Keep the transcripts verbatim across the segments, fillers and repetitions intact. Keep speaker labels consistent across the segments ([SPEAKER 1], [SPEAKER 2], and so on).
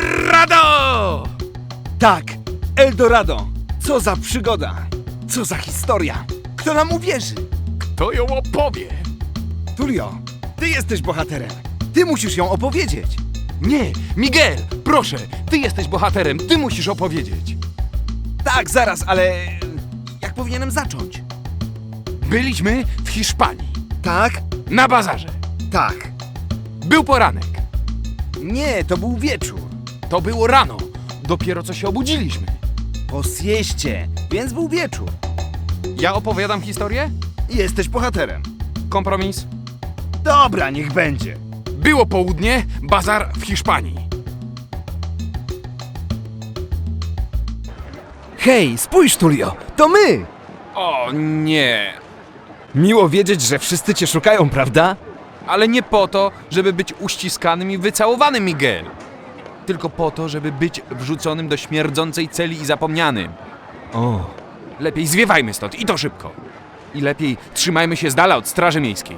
[SPEAKER 1] Eldorado!
[SPEAKER 2] Tak, Eldorado. Co za przygoda. Co za historia. Kto nam uwierzy?
[SPEAKER 1] To ją opowie.
[SPEAKER 2] Tulio, ty jesteś bohaterem. Ty musisz ją opowiedzieć.
[SPEAKER 1] Nie, Miguel, proszę, ty jesteś bohaterem, ty musisz opowiedzieć.
[SPEAKER 2] Tak, zaraz, ale... Jak powinienem zacząć?
[SPEAKER 1] Byliśmy w Hiszpanii,
[SPEAKER 2] Tak,
[SPEAKER 1] na bazarze.
[SPEAKER 2] tak.
[SPEAKER 1] Był poranek.
[SPEAKER 2] Nie, to był wieczór.
[SPEAKER 1] To było rano. Dopiero co się obudziliśmy.
[SPEAKER 2] Po sieście, więc był wieczór.
[SPEAKER 1] Ja opowiadam historię?
[SPEAKER 2] Jesteś bohaterem.
[SPEAKER 1] Kompromis?
[SPEAKER 2] Dobra, niech będzie.
[SPEAKER 1] Było południe, bazar w Hiszpanii.
[SPEAKER 2] Hej, spójrz, Tulio, to my!
[SPEAKER 1] O nie,
[SPEAKER 2] Miło wiedzieć, że wszyscy cię szukają, prawda?
[SPEAKER 1] ale nie po to, żeby być uściskanym i wycałowanym, Miguel. Tylko po to, żeby być wrzuconym do śmierdzącej celi i zapomnianym.
[SPEAKER 2] O,
[SPEAKER 1] Lepiej zwiewajmy stąd i to szybko. I lepiej trzymajmy się z dala od straży miejskiej.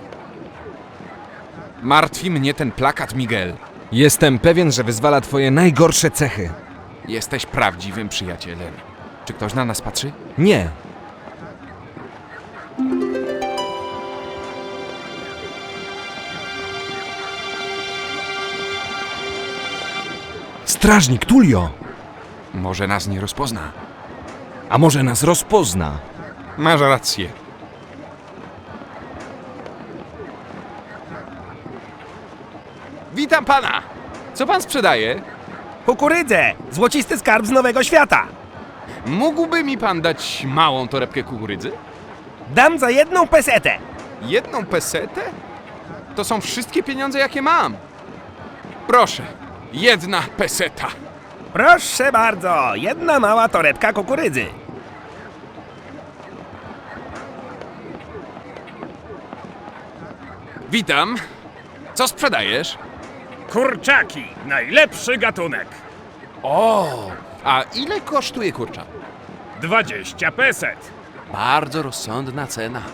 [SPEAKER 1] Martwi mnie ten plakat, Miguel.
[SPEAKER 2] jestem pewien, że wyzwala twoje najgorsze cechy.
[SPEAKER 1] Jesteś prawdziwym przyjacielem. Czy ktoś na nas patrzy?
[SPEAKER 2] Nie. Strażnik Tulio,
[SPEAKER 1] Może nas nie rozpozna.
[SPEAKER 2] a może nas rozpozna?
[SPEAKER 1] Masz rację. Witam pana! Co pan sprzedaje?
[SPEAKER 3] Kukurydzę! Złocisty skarb z Nowego Świata!
[SPEAKER 1] Mógłby mi pan dać małą torebkę kukurydzy?
[SPEAKER 3] Dam za jedną pesetę!
[SPEAKER 1] Jedną pesetę? To są wszystkie pieniądze, jakie mam. Proszę, jedna peseta.
[SPEAKER 3] Proszę bardzo, jedna mała torebka kukurydzy.
[SPEAKER 1] Witam. Co sprzedajesz?
[SPEAKER 3] Kurczaki, najlepszy gatunek.
[SPEAKER 1] O, a ile kosztuje kurczak?
[SPEAKER 3] Dwadzieścia peset.
[SPEAKER 1] Bardzo rozsądna cena.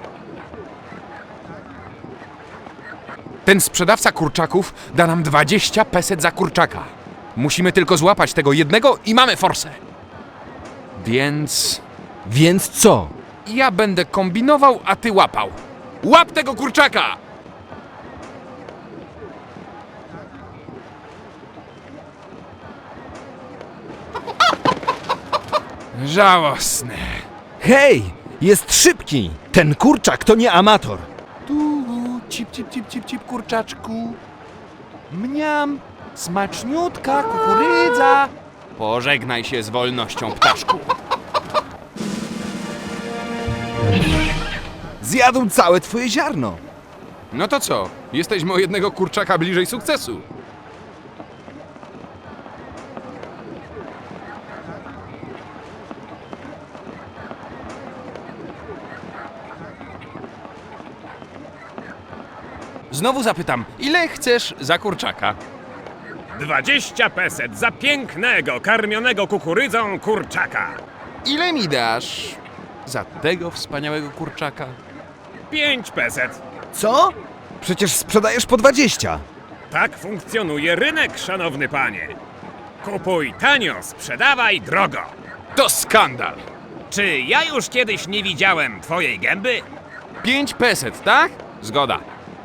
[SPEAKER 1] Ten sprzedawca kurczaków da nam dwadzieścia peset za kurczaka. Musimy tylko złapać tego jednego i mamy forsę. Więc
[SPEAKER 2] Więc co?
[SPEAKER 1] ja będę kombinował, a ty łapał. Łap tego kurczaka! Żałosne.
[SPEAKER 2] Hej, jest szybki! Ten kurczak to nie amator.
[SPEAKER 1] Tu, cip, cip, cip, cip, cip, kurczaczku. Mniam, smaczniutka kukurydza. Pożegnaj się z wolnością, ptaszku.
[SPEAKER 2] Zjadł całe twoje ziarno.
[SPEAKER 1] No to co? Jesteśmy o jednego kurczaka bliżej sukcesu. Znowu zapytam, ile chcesz za kurczaka?
[SPEAKER 3] Dwadzieścia peset za pięknego, karmionego kukurydzą kurczaka.
[SPEAKER 1] Ile mi dasz za tego wspaniałego kurczaka?
[SPEAKER 3] Pięć peset.
[SPEAKER 2] Co? Przecież sprzedajesz po dwadzieścia.
[SPEAKER 3] Tak funkcjonuje rynek, szanowny panie. Kupuj tanio, sprzedawaj drogo.
[SPEAKER 1] To skandal!
[SPEAKER 3] Czy ja już kiedyś nie widziałem twojej gęby?
[SPEAKER 1] Pięć peset, tak? Zgoda.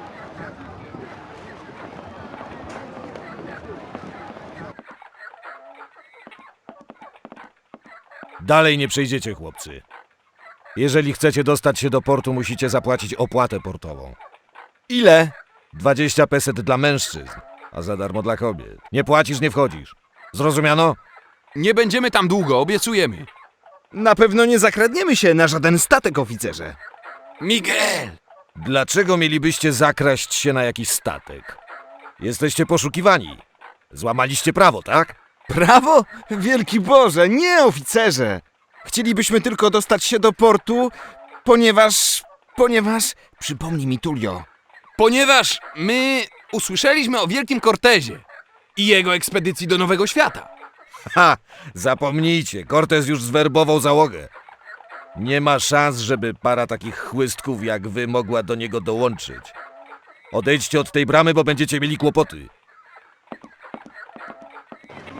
[SPEAKER 4] Dalej nie przejdziecie, chłopcy. Jeżeli chcecie dostać się do portu, musicie zapłacić opłatę portową.
[SPEAKER 2] Ile?
[SPEAKER 4] dwadzieścia peset dla mężczyzn, a za darmo dla kobiet. Nie płacisz, nie wchodzisz. Zrozumiano?
[SPEAKER 1] Nie będziemy tam długo, obiecujemy.
[SPEAKER 2] Na pewno nie zakradniemy się na żaden statek, oficerze.
[SPEAKER 1] Miguel!
[SPEAKER 4] Dlaczego mielibyście zakraść się na jakiś statek? Jesteście poszukiwani. Złamaliście prawo, tak?
[SPEAKER 2] Prawo? Wielki Boże, nie, oficerze! Chcielibyśmy tylko dostać się do portu, ponieważ... ponieważ... Przypomnij mi, Tulio.
[SPEAKER 1] Ponieważ my usłyszeliśmy o Wielkim Cortezie i jego ekspedycji do Nowego Świata.
[SPEAKER 4] Ha! Zapomnijcie, Cortez już zwerbował załogę. Nie ma szans, żeby para takich chłystków jak wy mogła do niego dołączyć. Odejdźcie od tej bramy, bo będziecie mieli kłopoty.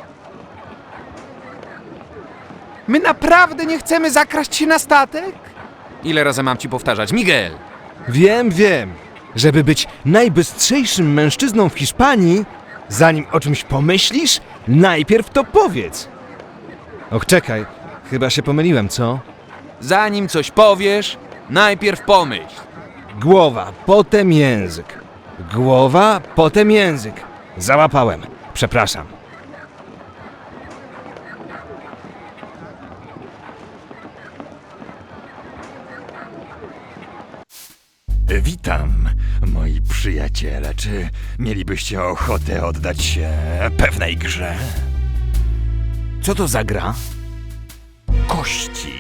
[SPEAKER 1] My naprawdę nie chcemy zakraść się na statek? Ile razy mam ci powtarzać? Miguel!
[SPEAKER 2] Wiem, wiem. Żeby być najbystrzejszym mężczyzną w Hiszpanii, zanim o czymś pomyślisz, najpierw to powiedz. Och, czekaj, chyba się pomyliłem, co?
[SPEAKER 1] Zanim coś powiesz, najpierw pomyśl.
[SPEAKER 2] Głowa, potem język. Głowa, potem język. Załapałem. Przepraszam.
[SPEAKER 5] Witam, moi przyjaciele. Czy mielibyście ochotę oddać się pewnej grze?
[SPEAKER 2] Co to za gra?
[SPEAKER 5] Kości.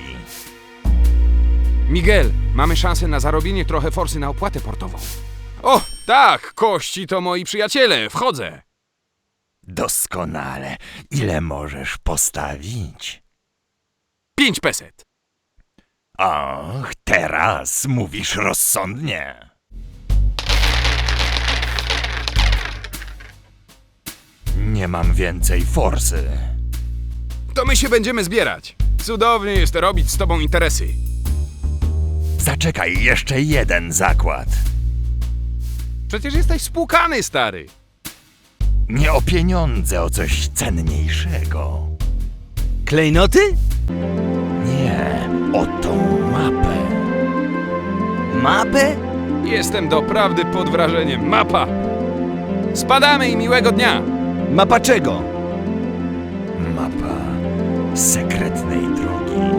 [SPEAKER 1] Miguel, mamy szansę na zarobienie trochę forsy na opłatę portową. O, tak, kości to moi przyjaciele, wchodzę.
[SPEAKER 5] Doskonale. Ile możesz postawić?
[SPEAKER 1] Pięć peset.
[SPEAKER 5] Och, teraz mówisz rozsądnie. Nie mam więcej forsy.
[SPEAKER 1] To my się będziemy zbierać. Cudownie jest robić z tobą interesy.
[SPEAKER 5] Zaczekaj, jeszcze jeden zakład.
[SPEAKER 1] Przecież jesteś spłukany, stary.
[SPEAKER 5] Nie o pieniądze, o coś cenniejszego.
[SPEAKER 2] Klejnoty?
[SPEAKER 5] Nie, o tą mapę.
[SPEAKER 2] Mapę?
[SPEAKER 1] Jestem doprawdy pod wrażeniem. Mapa. Spadamy i miłego dnia.
[SPEAKER 2] Mapa czego?
[SPEAKER 5] Mapa sekretnej drogi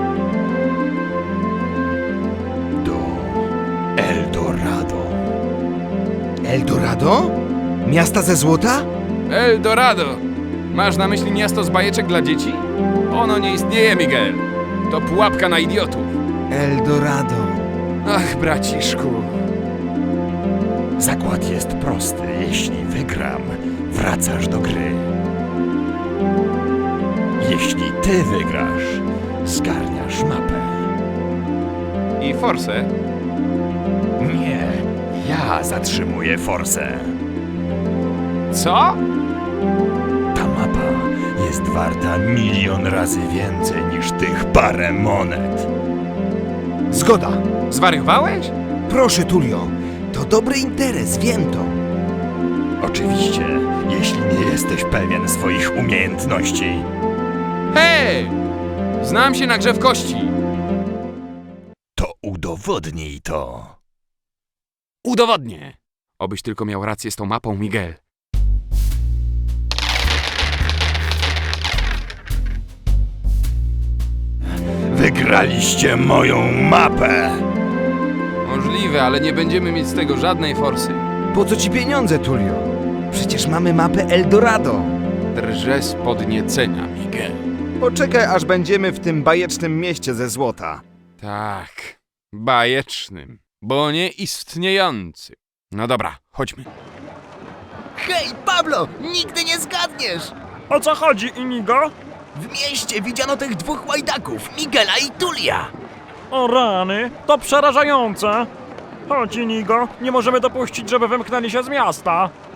[SPEAKER 5] do Eldorado.
[SPEAKER 2] Eldorado? Miasta ze złota?
[SPEAKER 1] Eldorado. Masz na myśli miasto z bajeczek dla dzieci? Ono nie istnieje, Miguel. To pułapka na idiotów.
[SPEAKER 2] Eldorado.
[SPEAKER 1] Ach, braciszku.
[SPEAKER 5] Zakład jest prosty. Jeśli wygram, wracasz do gry. Jeśli ty wygrasz, zgarniasz mapę.
[SPEAKER 1] I forsę?
[SPEAKER 5] Nie, ja zatrzymuję forsę.
[SPEAKER 1] Co?
[SPEAKER 5] Ta mapa jest warta milion razy więcej niż tych parę monet.
[SPEAKER 2] Zgoda.
[SPEAKER 1] Zwariowałeś?
[SPEAKER 2] Proszę, Tulio. To dobry interes, wiem to.
[SPEAKER 5] Oczywiście, jeśli nie jesteś pewien swoich umiejętności.
[SPEAKER 1] Hej! Znam się na grze w kości.
[SPEAKER 5] To udowodnij to.
[SPEAKER 1] Udowodnię. Obyś tylko miał rację z tą mapą, Miguel.
[SPEAKER 5] Wygraliście moją mapę!
[SPEAKER 1] Możliwe, ale nie będziemy mieć z tego żadnej forsy.
[SPEAKER 2] Po co ci pieniądze, Tulio? Przecież mamy mapę Eldorado.
[SPEAKER 1] Drżę z podniecenia, Miguel.
[SPEAKER 2] Poczekaj, aż będziemy w tym bajecznym mieście ze złota.
[SPEAKER 1] Tak, bajecznym, bo nieistniejącym. No dobra, chodźmy.
[SPEAKER 6] Hej, Pablo! Nigdy nie zgadniesz!
[SPEAKER 3] O co chodzi, Inigo?
[SPEAKER 6] W mieście widziano tych dwóch łajdaków, Miguela i Tulia!
[SPEAKER 3] O rany, to przerażające! Chodź, Inigo, nie możemy dopuścić, żeby wymknęli się z miasta.